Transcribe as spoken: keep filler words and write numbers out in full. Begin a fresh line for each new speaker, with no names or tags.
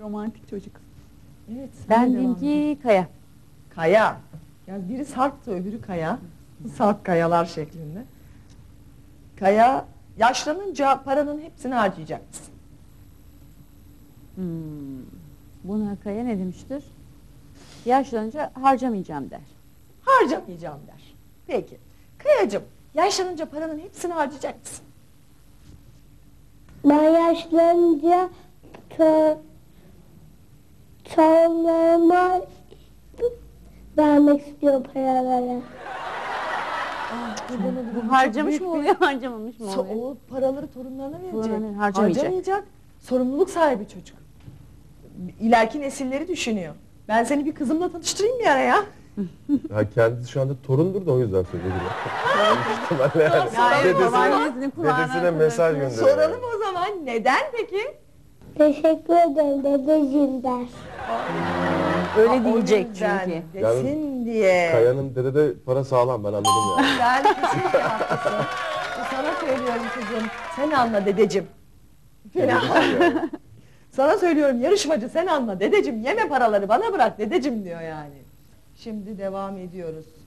Romantik çocuk.
Evet. sen de
Ben
devam
diyeyim
et.
ki Kaya.
Kaya. Yani biri Sarp'tı öbürü Kaya. Sarp kayalar şeklinde. Kaya, yaşlanınca paranın hepsini harcayacak mısın?
Hmm. Buna Kaya ne demiştir? Yaşlanınca harcamayacağım der.
Harcamayacağım der. Peki. Kayacığım, yaşlanınca paranın hepsini harcayacak mısın?
Ben yaşlanınca to torunlarıma vermek istiyorum paraları.
Bu harcamış mı oluyor, harcamamış mı
So
oluyor?
o paraları torunlarına verecek.
Torunlarına harcamayacak.
Harcamayacak. Sorumluluk sahibi çocuk. İleriki nesilleri düşünüyor. Ben seni bir kızımla tanıştırayım bir ara ya.
Ha, kendisi şu anda torundur da o yüzden söylüyor. İhtimalle yani.
Ya evet,
Dedesine,
babaannesinin kulağına
dedesine mesaj gönderiyor.
Soralım o zaman. Neden peki?
Teşekkür ederim dedeciğim der.
Öyle
Aa, o
diyecek
yüzden
çünkü.
Desin diye.
Kaya'nın dedede para sağlam, ben anladım yani.
Sen kesinlikle haklısın. Sana söylüyorum kızım. Sen anla dedeciğim. Falan.
Yani.
Sana söylüyorum yarışmacı, sen anla dedeciğim, yeme paraları bana bırak dedeciğim diyor yani. Şimdi devam ediyoruz.